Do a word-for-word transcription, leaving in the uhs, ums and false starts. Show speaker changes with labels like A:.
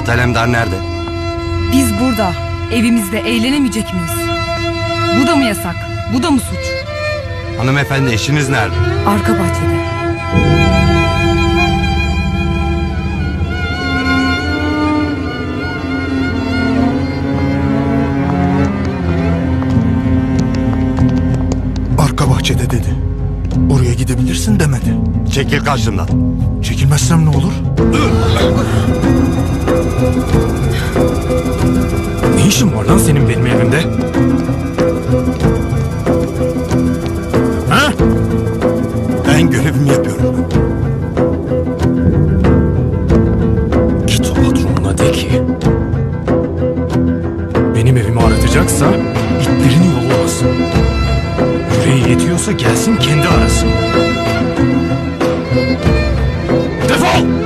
A: Polat Alemdar nerede?
B: Biz burada, evimizde eğlenemeyecek miyiz? Bu da mı yasak? Bu da mı suç?
A: Hanımefendi eşiniz nerede?
B: Arka bahçede.
C: Arka bahçede dedi. Oraya gidebilirsin demedi.
A: Çekil karşımdan.
C: Çekilmezsem ne olur?
D: Ne işin var lan senin benim evimde? Ha?
C: Ben görevimi yapıyorum.
D: Git o patronuna de ki benim evimi aratacaksa itlerini yollamasın. Yüreği yetiyorsa gelsin kendi arasın. Defol!